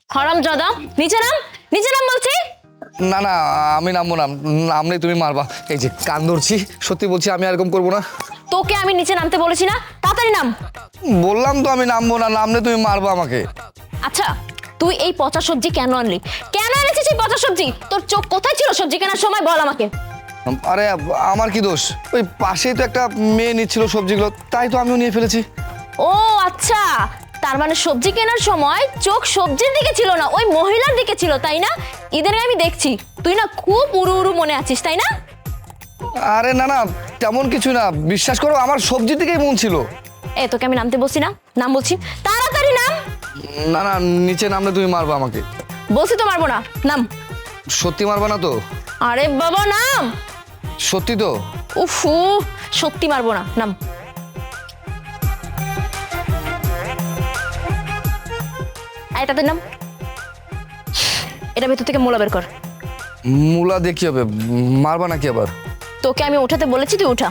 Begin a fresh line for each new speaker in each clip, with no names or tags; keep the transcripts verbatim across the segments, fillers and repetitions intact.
হারামজাদা, নিচে নাম, নিচে নাম বলছি।
না না আমি নামবো না, নামলে তুমি মারবা। এই যে কান ধরছি, সত্যি বলছি আমি এরকম করবো না।
তোকে আমি নিচে নামতে বলেছি না, তাড়াতাড়ি নাম।
বললাম তো আমি নামবো না, নামলে তুমি মারবা আমাকে।
আচ্ছা, তুই এই পচা সবজি কেন আনলি? কেন এনেছিস এই পচা সবজি? তোর চোখ কোথায় ছিল সবজি কেনার সময়, বল আমাকে।
আরে আমার কি দোষ? ওই পাশেই তো একটা মেয়ে নিচ্ছিল সবজিগুলো, তাই তো আমিও নিয়ে ফেলেছি।
ও আচ্ছা, তার মানে সবজি কেনার সময় চোখ সবজির দিকে ছিল না, ওই মহিলার দিকে ছিল, তাই না? ঈদের আমি দেখছি তুই না খুব উড়ু উড়ু মনে আছিস, তাই না?
আরে না না তেমন কিছু না, বিশ্বাস করো আমার সবজির দিকেই মন ছিল।
এ তোকে আমি নামতে বলছি না, নাম বলছি, তাড়াতাড়ি নাম।
না না নিচে নামলে তুমি মারবা আমাকে।
বলছি তো মারবো না, নাম।
সত্যি মারবা না তো?
আরে বাবা নাম।
সত্যি তো?
উফু, সত্যি মারবো না, নাম। এটাতে নাম। এটা ভেতর থেকে মোলা বের কর।
মূলা দেখি হবে, মারবা নাকি আবার?
তোকে আমি উঠাতে বলেছি, তুই উঠা।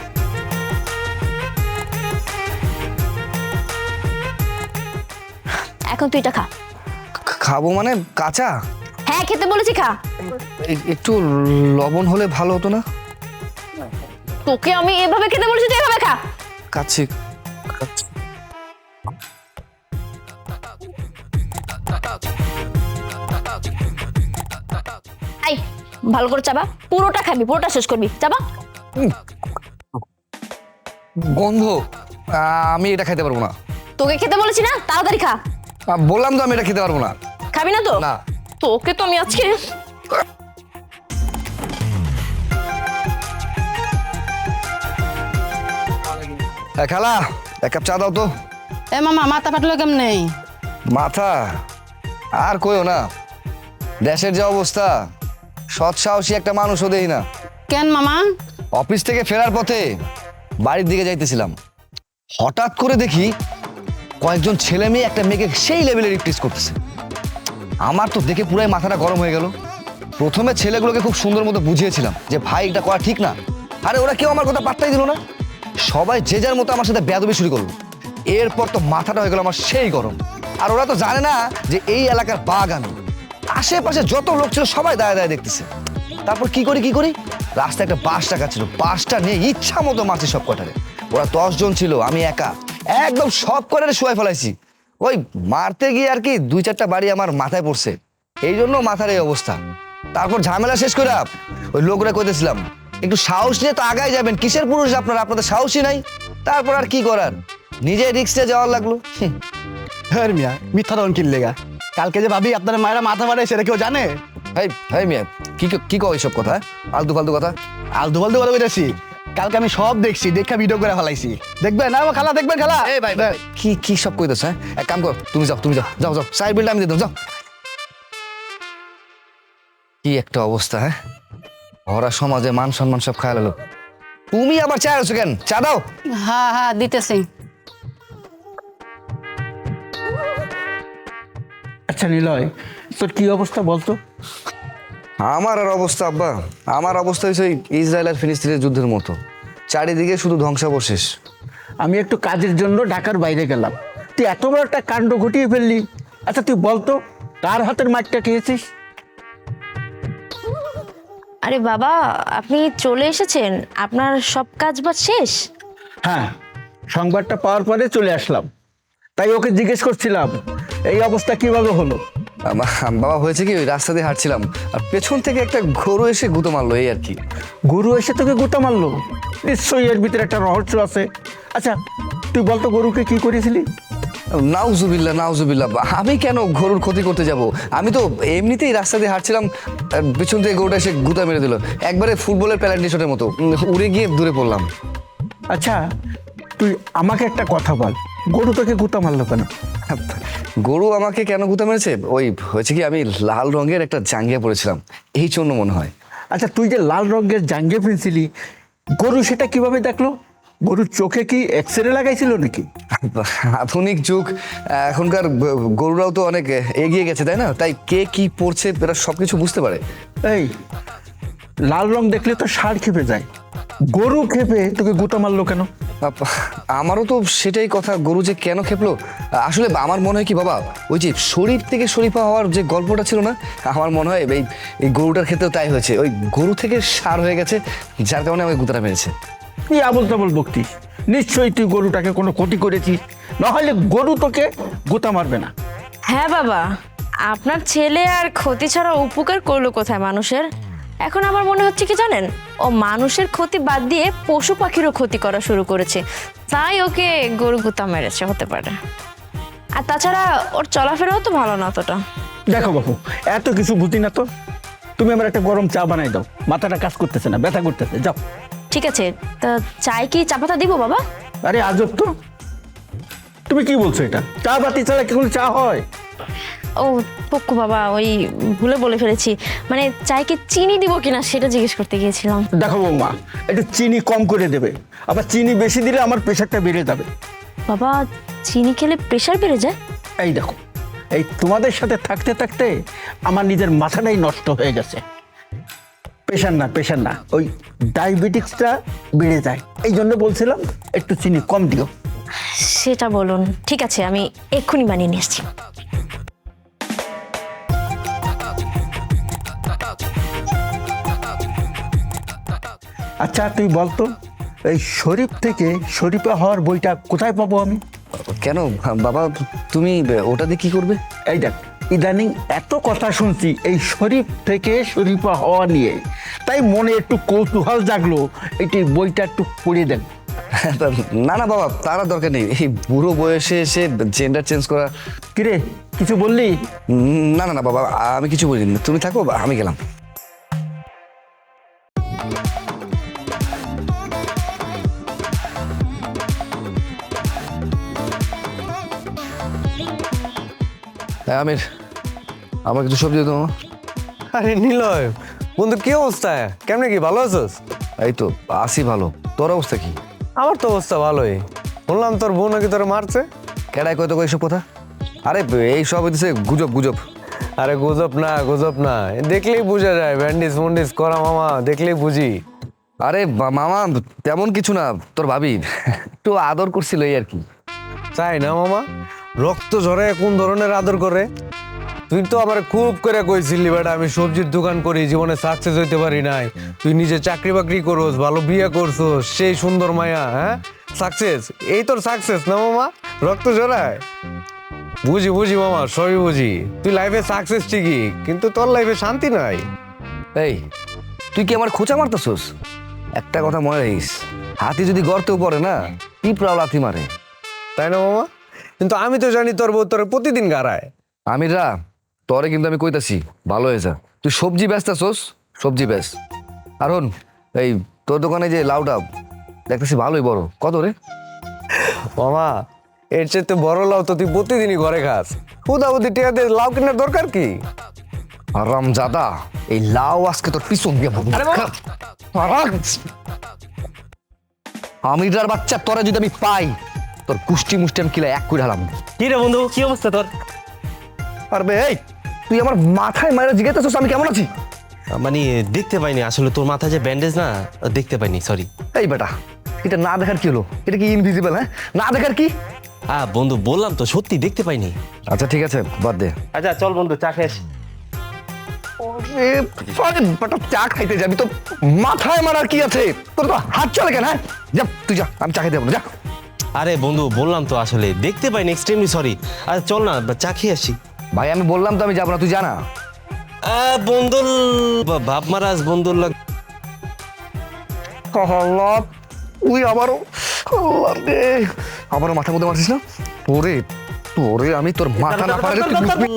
এখন তুই এটা খা।
খাবো মানে কাঁচা?
হ্যাঁ খেতে বলেছি, খা।
এ- একটু লবণ হলে ভালো হতো না?
তোকে আমি এভাবে খেতে বলেছি, তুই এভাবে খা।
কাচ্ছি কাচ্ছি।
আই ভালো করে চাবা, পুরোটা খাবি, পুরোটা শেষ করবি, চাবা।
গন্ধ, আহ, আমি এটা খেতে পারবো না।
তোকে খেতে বলেছি না, তাড়াতাড়ি খা।
আহ, বললাম তো আমি এটা খেতে পারবো না।
খাবি না তো?
না।
তোকে তো আমি আজকে।
হ্যাঁ খালা, এক কাপ চা দাও তো।
এ মামা মাথা ফাটলো কেমনে?
মাথা আর কইও না, দেশের যে অবস্থা, সৎ সাহসী একটা মানুষও দেই না।
কেন মামা?
অফিস থেকে ফেরার পথে বাড়ির দিকে যাইতেছিলাম, হঠাৎ করে দেখি কয়েকজন ছেলে মেয়ে একটা মেয়েকে সেই লেভেলে রিপ্লেস করতেছে। আমার তো দেখে পুরাই মাথাটা গরম হয়ে গেল। প্রথমে ছেলেগুলোকে খুব সুন্দর মতো বুঝিয়েছিলাম যে ভাই এটা করা ঠিক না, আরে ওরা কেউ আমার কথা পাত্তাই দিল না। সবাই যে যার মতো আমার সাথে বেয়াদবি শুরু করলো। এরপর তো মাথাটা হয়ে গেল আমার সেই গরম। আর ওরা তো জানে না যে এই এলাকার বাঘ আমি। আশেপাশে যত লোক ছিল সবাই দাঁড়ায় দাঁড়ায় দেখতেছে। তারপর কি করি কি করি রাস্তায় একটা বাস টাকা ছিল, বাসটা নিয়ে ইচ্ছা মতো মারছি সব কটারে। ওরা দশ জন ছিল, আমি একা, একদম সব কটারে শুয়াই ফেলাইছি। ওই মারতে গিয়ে আর কি দুই চারটা বাড়ি আমার মাথায় পড়ছে, এই জন্য মাথার এই অবস্থা। তারপর ঝামেলা শেষ করে ওই লোকরা কইতেছিলাম একটু সাহস নিয়ে তো আগায় যাবেন, কিসের পুরুষ আপনারা, আপনাদের সাহসই নাই। তারপর আর কি করার, নিজে রিক্সে যাওয়ার লাগলো। হুম।
হ্যাঁ মিয়া, মিথ্যা তখন কিনলেগা। কালকে যে ভাবি আপনার মায়েরা মাথা মারে সেটা কেউ জানে?
হাই হাই মিয়া, কি কি কও এইসব কথা? আলতু ফালতু কথা।
আলতু ফালতু কথা বলেছি? কালকে আমি সব দেখছি, দেখা ভিডিও করে ফেলাইছি। দেখবেন না খালা, দেখবেন খালা।
এই ভাই ভাই কি কি সব কইতেছ? হ্যাঁ এক কাম কর, তুমি যাও তুমি যাও যাও যাও সাইড বিলটা আমি দিয়ে দাও, যাও। কি একটা অবস্থা! হ্যাঁ ভরা সমাজে মান সম্মান সব খায় গেল। তুমি আবার চা আছো কেন? চা দাও।
হ্যাঁ হ্যাঁ দিতেছি।
আচ্ছা নিলয়, তোর কি অবস্থা বলতো?
আমার আর অবস্থা আব্বা, আমার অবস্থা হয়েছে ওই ইসরায়েল আর ফিলিস্তিনের যুদ্ধের মতো, চারিদিকে শুধু ধ্বংসাবশেষ।
আমি একটু কাজের জন্য ঢাকার বাইরে গেলাম, তুই এত বড় একটা কাণ্ড ঘটিয়ে ফেললি। আচ্ছা তুই বলতো, কার হাতের মাঠটা খেয়েছিস?
আরে বাবা, আপনি চলে এসেছেন, আপনার সব কাজ বাজ শেষ?
হ্যাঁ, সংবাদটা পাওয়ার পরে চলে আসলাম, তাই ওকে জিজ্ঞেস করছিলাম এই অবস্থা কিভাবে হলো।
আমা- বাবা হয়েছে কি, ওই রাস্তা দিয়ে হাঁটছিলাম আর পেছন থেকে একটা গরু এসে গুঁতো মারলো, এই আর কি।
গরু এসে তোকে গুঁতা মারলো? নিশ্চয়ই এর ভিতরে একটা রহস্য আছে। আচ্ছা তুই বলতো গরুকে কি করেছিলি?
নাউজুবিল্লাহ নাউজুবিল্লাহ, আমি কেন গরুর ক্ষতি করতে যাব? আমি তো এমনিতেই রাস্তা দিয়ে হাঁটছিলাম, আর পেছন থেকে গরুটা এসে গুঁতা মেরে দিল, একবারে ফুটবলের প্যালেন্টি শটের মতো, উম, উড়ে গিয়ে দূরে পড়লাম।
আচ্ছা তুই আমাকে একটা কথা বল, গরু তোকে গুঁতা মারলো কেন?
গরু আমাকে কেন গুঁতা মেরেছে, ওই হয়েছে কি আমি লাল রঙের একটা জাঙ্গিয়া পরেছিলাম, এই জন্য মনে হয়।
আচ্ছা তুই যে লাল রঙের জাঙ্গিয়া পেয়েছিলি, গরু সেটা কিভাবে দেখলো? গরুর চোখে কি এক্স রে লাগাইছিল নাকি?
আধুনিক যুগ, এখনকার গরুরাও তো অনেক এগিয়ে গেছে তাই না, তাই কে কি পড়ছে এরা সবকিছু বুঝতে পারে।
এই লাল রং দেখলে তো ষাঁড় খেপে যায়, গরু খেপে তোকে গুঁতা মারলো কেন?
আপ- আমারও তো সেটাই কথা, গরু যে কেন খেপলো। আসলে আমার মনে হয় কি বাবা, ওই যে শরীর থেকে শরীফা হওয়ার যে গল্পটা ছিল না, আমার মনে হয় এই এই গরুটার ক্ষেত্রেও তাই হয়েছে। ওই গরু থেকে সার হয়ে গেছে, যার কারণে আমাকে গুতাটা মেরেছে।
তুই আবল তাবল বকতিস, নিশ্চয়ই তুই গরুটাকে কোনো ক্ষতি করেছিস, নাহলে গরু তোকে গোতা মারবে না।
হ্যাঁ বাবা, আপনার ছেলে আর ক্ষতি ছাড়া উপকার করলো কোথায় মানুষের? এখন আমার মনে হচ্ছে কি জানেন, ও মানুষের ক্ষতি বাদ দিয়ে পশু পাখিরও ক্ষতি করা শুরু করেছে, তাই ওকে গরু গুতা মেরেছে হতে পারে। আর তাছাড়া ওর চলাফেরাও তো ভালো না অতটা।
দেখো বাবু, এত কিছু বুঝি না তো, তুমি আমার একটা গরম চা বানাই দাও, মাথাটা কাজ করতেছে না, ব্যথা করতেছে, যাও।
ঠিক আছে, তা চাই কি চা পাতা দিব বাবা?
আরে আজব তো, তুমি কি বলছো? এটা চা বাতি ছাড়া কি কোনো চা হয়?
ও পক্কু বাবা, ওই ভুলে বলে ফেলেছি, মানে চাই কি চিনি দিব কিনা সেটা জিজ্ঞেস করতে গিয়েছিলাম।
দেখো বৌমা, একটু চিনি কম করে দেবে, আবার চিনি বেশি দিলে আমার প্রেশারটা বেড়ে যাবে।
বাবা, চিনি খেলে প্রেশার বেড়ে যায়?
এই দেখো, এই তোমাদের সাথে থাকতে থাকতে আমার নিজের মাথাটাই নষ্ট হয়ে গেছে। প্রেশার না, প্রেশার না, ওই ডায়াবেটিক্সটা বেড়ে যায়, এই জন্য বলছিলাম একটু চিনি কম দিও।
সেটা বলুন, ঠিক আছে, আমি এক্ষুনি বানিয়ে নিয়ে আসছি।
আচ্ছা তুই বলতো, এই শরীফ থেকে শরীফা হওয়ার বইটা কোথায় পাবো আমি?
কেন বাবা, তুমি ওটা দিয়ে কি করবে?
এই দেখ, ইদানিং এত কথা শুনছি এই শরীফ থেকে শরীফা হওয়া নিয়ে, তাই মনে একটু কৌতূহল জাগলো, এটি বইটা একটু পড়ে দেন।
না না বাবা, তার আর দরকার নেই। এই বুড়ো বয়সে এসে জেন্ডার চেঞ্জ করা।
কিরে, কিছু বললি?
উম, না না না বাবা, আমি কিছু বলিনি, তুমি থাকো, আমি গেলাম। হ্যাঁ আমির, আমার কিছু সবজি দাও।
আরে নিলয় বন্ধু, কি অবস্থা? কেমনে কি, ভালো আছোস?
এই তো আসি ভালো, তোর অবস্থা কি?
আমার তো অবস্থা ভালোই। বললাম তোর বউ নাকি তোর মারছে।
কেডায় কয় তো এইসব কথা? আরে এই সব হইতেছে গুজব গুজব।
আরে গুজব না, গুজব না, দেখলেই বোঝা যায়, ব্যান্ডিস মন্ডিস করা মামা, দেখলেই বুঝি।
আরে বা- মামা তেমন কিছু না, তোর ভাবি একটু আদর করছিল এই আর কি।
তাই না মামা? রক্ত ঝরে কোন ধরনের আদর করে? তুই তো আবার খুব করে কইছিলি বেটা আমি সবজির দোকান করি, জীবনে সাকসেস হইতে পারি নাই। তুই নিজে চাকরি বাকরি করোস, ভালো বিয়ে করছোস, সেই সুন্দর মায়া, হ্যাঁ সাকসেস, এই তোর সাকসেস না মামা? রক্ত ঝরায়? বুঝি বুঝি মামা, সবই বুঝি। তুই লাইফে সাকসেস ঠিকই, কিন্তু তোর লাইফে শান্তি নাই।
এই তুই কি আমার খোঁচা মারতেছস? একটা কথা মনে রাখিস, হাতি যদি গর্তেও পড়ে না, পিঁপড়াও লাথি মারে।
তাই না মামা? কিন্তু আমি তো জানি তোর বউ তোর প্রতিদিন গাড়ায়।
আমিরা, তোরে কিন্তু আমি কইতাছি ভালো হয়ে যা। তুই সবজি বেচতেছস, সবজি বেচ। আর হন, এই তোর দোকানে যে লাউটা দেখতেছি ভালোই বড়, কত রে?
মামা এর চেয়ে বড় লাউ তো তুই প্রতিদিনই ঘরে খাস। হুদাহুদি টিয়া দিয়ে লাউ কেনার দরকার কি?
আরাম জাদা, এই লাউ আজকে তোর পিছন দিয়ে আমিরার বাচ্চা, তোরা যদি আমি পাই, তোর কুষ্টি মুষ্টি আমি কিলা এক করে হারাম।
কি রে বন্ধু, কি অবস্থা তোর?
পারবে এই তুই আমার মাথায় মারা জিজ্ঞাসা আমি কেমন আছি?
মানে দেখতে পাইনি আসলে, তোর মাথায় যে ব্যান্ডেজ না, দেখতে পাইনি, সরি।
এই বেটা, এটা না দেখার কি হলো? এটা কি ইনভিজিবল? হ্যাঁ, না দেখার কি?
হ্যাঁ বন্ধু, বললাম তো সত্যি দেখতে পাইনি।
আচ্ছা ঠিক আছে, বাদ দে।
আচ্ছা চল বন্ধু, চা খেস।
এ, আরে বেটা, চা খাইতে যাবি তো মাথায় মারার কি আছে? তোর তো হাত চলে কেন? হ্যাঁ যা, তুই যা, আমি চা খাইতে যাবো না, যা।
আরে বন্ধু বললাম তো আসলে দেখতে পাইনি, এক্সট্রিমলি সরি। আচ্ছা চল না, চা খেয়ে আসি।
ভাই আমি বললাম তো আমি যাবো না, তুই জানা।
বন্ধুর বাপ মারাজ, বন্ধুর লাগ।
আল্লাহ, তুই আবারও আল্লাহ রে, আবারও মাথার মধ্যে মারছিস না? তোরে তোরে আমি তোর মাথা না পারলে তুই বুঝবি।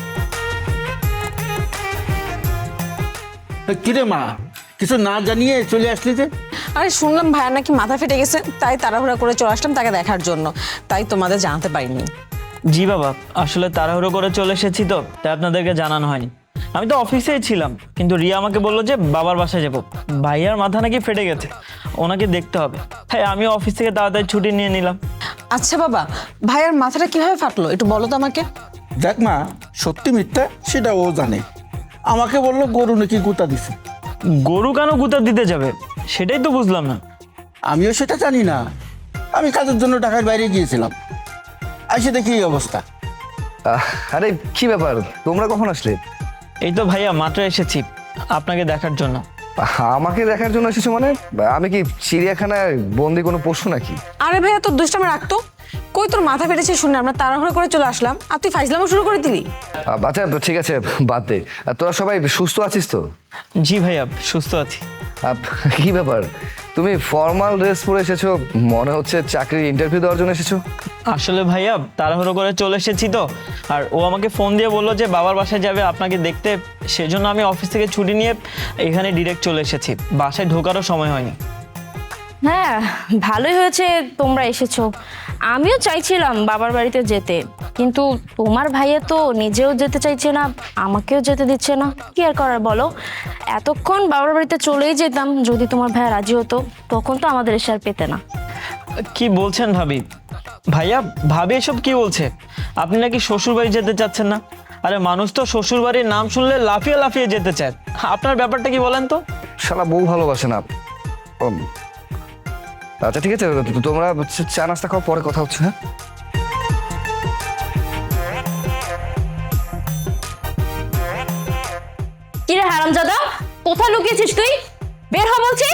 কিরে মা, কিছু না জানিয়ে চলে আসলি যে?
আরে শুনলাম ভাইয়া নাকি মাথা ফেটে গেছে, তাই তাড়াহুড়া করে চলে আসলাম তাকে দেখার জন্য, তাই তোমাদের জানাতে পারিনি।
জি বাবা, আসলে তাড়াহুড়ো করে চলে এসেছি তো, তাই আপনাদেরকে জানানো হয়নি। আমি তো অফিসেই ছিলাম, কিন্তু রিয়া আমাকে বললো যে বাবার বাসায় যাবো, ভাইয়ার মাথা নাকি ফেটে গেছে, ওনাকে দেখতে হবে। তাই আমি অফিস থেকে তাড়াতাড়ি ছুটি নিয়ে নিলাম।
আচ্ছা বাবা, ভাইয়ার মাথাটা কিভাবে ফাটলো একটু বলো তো আমাকে।
দেখ মা, সত্যি মিথ্যা সেটা ও জানে। আমাকে বললো গরু নাকি গুতা দিছে।
গরু কেন গুতা দিতে যাবে, সেটাই তো বুঝলাম না।
আমিও সেটা জানি না, আমি কাজের জন্য ঢাকার বাইরে গিয়েছিলাম, এসে দেখি এই অবস্থা।
আহ, আরে কি ব্যাপার, তোমরা কখন আসলে?
এই তো ভাইয়া মাত্র এসেছি আপনাকে দেখার জন্য।
আমাকে দেখার জন্য এসেছো মানে? আমি কি চিড়িয়াখানায় বন্দি কোনো পশু নাকি?
আরে ভাইয়া তোর দুষ্টামি রাখতো, কই তোর মাথা ফেটেছে শুনে আমরা তাড়াহুড়ো করে চলে আসলাম আর তুই ফাইজলামও শুরু করে দিলি।
আহ, আচ্ছা ঠিক আছে, বাদ দে। আর তোরা সবাই সুস্থ আছিস তো?
জি ভাইয়া সুস্থ আছি।
আহ, কি ব্যাপার, তুমি ফর্মাল ড্রেস পরে এসেছো, মনে হচ্ছে চাকরির ইন্টারভিউ দেওয়ার জন্য এসেছো।
আসলে ভাইয়া তাড়াহুড়ো করে চলে এসেছি তো, আর ও আমাকে ফোন দিয়ে বললো যে বাবার বাসায় যাবে আপনাকে দেখতে, সেজন্য আমি অফিস থেকে ছুটি নিয়ে এখানে ডিরেক্ট চলে এসেছি, বাসায় ঢোকারও সময় হয়নি।
হ্যাঁ ভালোই হয়েছে তোমরা এসেছো। আমিও চাইছিলাম বাবার বাড়িতে যেতে, কিন্তু তোমার ভাইয়া তো নিজেও যেতে চাইছে না, আমাকেও যেতে দিচ্ছে না। কি আর করার বলো, এতক্ষণ বাবার বাড়িতে চলেই যেতাম যদি তোমার ভাইয়া রাজি হতো, তখন তো আমাদের এসে আর পেতে না।
কি বলছেন ভাবি? ভাইয়া ভাবি এসব কি বলছে? আপনি নাকি শ্বশুর বাড়ি যেতে চাচ্ছেন না? আরে মানুষ তো শ্বশুর বাড়ির নাম শুনলে লাফিয়ে লাফিয়ে যেতে চায়, আপনার ব্যাপারটা কি বলেন তো?
শালা বউ ভালোবাসে না। উম, আচ্ছা ঠিক আছে, তোমরা হচ্ছে চা নাস্তা খাও, পরে কথা হচ্ছে। হ্যাঁ
কি রে হারামজাদা, কোথায় লুকিয়েছিস তুই? বের হ বলছি।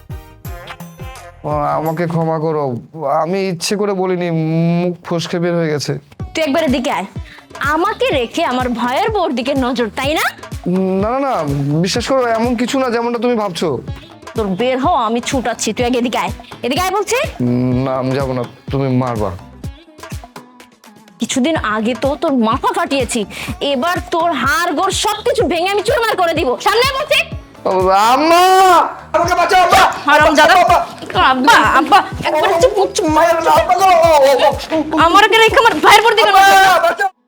ও, আমাকে ক্ষমা করো, আমি ইচ্ছে করে বলিনি, মুখ ফসকে বের হয়ে গেছে।
তুই একবার এদিকে আয়, আমাকে রেখে আমার ভাইয়ের বউর দিকে নজর, তাই না?
না না না, বিশ্বাস করো এমন কিছু না যেমনটা তুমি ভাবছো।
তোর বের হ, আমি ছুটাচ্ছি, তুই আগে এদিকে আয়। এদিকে আয় বলছি।
উম, না আমি যাবো না, তুমি মারবা।
কিছুদিন আগে তো তোর মাথা ফাটিয়েছি, এবার তোর হাড় গোড় সবকিছু ভেঙে আমি চুরমার করে দিব। সামনে আয় বলছি।
আম্মা, আমাকে বাঁচাও আব্বা।
হারামজাদা, আব্বা আব্বা একবার চুপ চুপ,
মায়ের না, আব্বা গো।
আমার রেখে আমার ভাইয়ের বউর দিকে নজর।
বাঁচাও।